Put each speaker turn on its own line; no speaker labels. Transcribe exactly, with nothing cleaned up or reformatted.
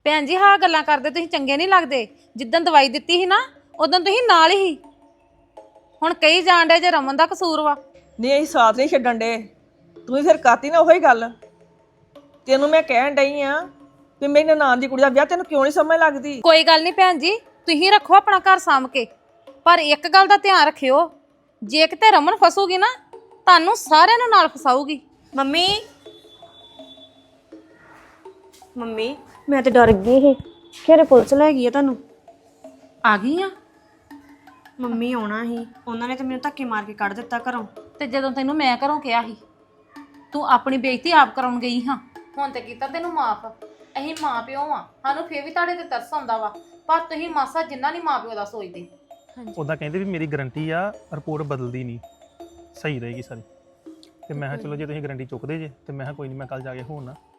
ਭੈਣ ਜੀ ਹਾਂ ਗੱਲਾਂ ਕਰਦੇ ਤੁਸੀਂ ਚੰਗੇ ਨਹੀਂ ਲੱਗਦੇ। ਜਿੱਦਣ ਦਵਾਈ ਦਿੱਤੀ ਸੀ ਨਾ ਉਦੋਂ ਤੁਸੀਂ ਨਾਲ ਹੀ ਹੁਣ ਕਈ ਜਾਣ ਡੇ ਜੇ ਰਮਨ ਦਾ ਕਸੂਰ ਵਾ।
ਨਹੀਂ ਅਸੀਂ ਸਾਥ ਨਹੀਂ ਛੱਡਣ ਡੇ, ਤੂੰ ਹੀ ਫਿਰ ਕਰਤੀ ਨਾ ਉਹੀ ਗੱਲ। ਤੈਨੂੰ ਮੈਂ ਕਹਿਣ ਡਈ ਆ ਵੀ ਮੇਰੀ ਨਨਾਣ ਦੀ ਕੁੜੀ ਦਾ ਵਿਆਹ ਤੈਨੂੰ ਕਿਉਂ ਨਹੀਂ ਸਮਝ ਲੱਗਦੀ।
ਕੋਈ ਗੱਲ ਨਹੀਂ ਭੈਣ ਜੀ, ਤੁਸੀਂ ਰੱਖੋ ਆਪਣਾ ਘਰ ਸਾਂਭ ਕੇ, ਪਰ ਇੱਕ ਗੱਲ ਦਾ ਧਿਆਨ ਰੱਖਿਓ, ਜੇ ਕਿਤੇ ਰਮਨ ਫਸੂਗੀ ਨਾ ਤੁਹਾਨੂੰ ਸਾਰਿਆਂ ਨੂੰ ਨਾਲ ਫਸਾਊਗੀ।
ਮੰਮੀ ਮੰਮੀ ਮੈਂ ਤੇ ਡਰ ਗਈ ਸੀ, ਖੇਰੇ ਪੁਲਿਸ ਲੈ ਗਈ ਆ ਤੁਹਾਨੂੰ।
ਆ ਗਈ ਆ
ਮੰਮੀ ਆਉਣਾ ਸੀ, ਉਹਨਾਂ ਨੇ ਤੇ ਮੈਨੂੰ ਧੱਕੇ ਮਾਰ ਕੇ ਕੱਢ ਦਿੱਤਾ ਘਰੋਂ।
ਤੇ ਜਦੋਂ ਤੈਨੂੰ ਮੈਂ ਘਰੋਂ ਕਿਹਾ ਸੀ ਤੂੰ ਆਪਣੀ ਬੇਇੱਜ਼ਤੀ ਆਪ ਕਰਾਉਣ ਗਈ ਹਾਂ। ਹੁਣ ਤੇ ਕੀਤਾ ਤੈਨੂੰ ਮਾਫ। ਅਸੀਂ ਮਾਂ ਪਿਓ ਆ, ਸਾਨੂੰ ਫੇਰ ਵੀ ਤੁਹਾਡੇ ਤੇ ਤਰਸ ਆਉਂਦਾ ਵਾ, ਪਰ ਤੁਸੀਂ ਮਾਸਾ ਜਿੰਨਾ ਨਹੀਂ ਮਾਂ ਪਿਓ ਦਾ ਸੋਚਦੇ।
ਉੱਦਾਂ ਕਹਿੰਦੇ ਵੀ ਮੇਰੀ ਗਾਰੰਟੀ ਆ, ਰਿਪੋਰਟ ਬਦਲਦੀ ਨਹੀਂ, ਸਹੀ ਰਹੇਗੀ ਸਾਰੀ। ਤੇ ਮੈਂ ਕਿਹਾ ਚਲੋ ਜੇ ਤੁਸੀਂ ਗਾਰੰਟੀ ਚੁੱਕਦੇ ਜੇ ਤੇ ਮੈਂ ਕਿਹਾ ਕੋਈ ਨਹੀਂ, ਮੈਂ ਕੱਲ ਜਾ ਕੇ ਹੋਣਾ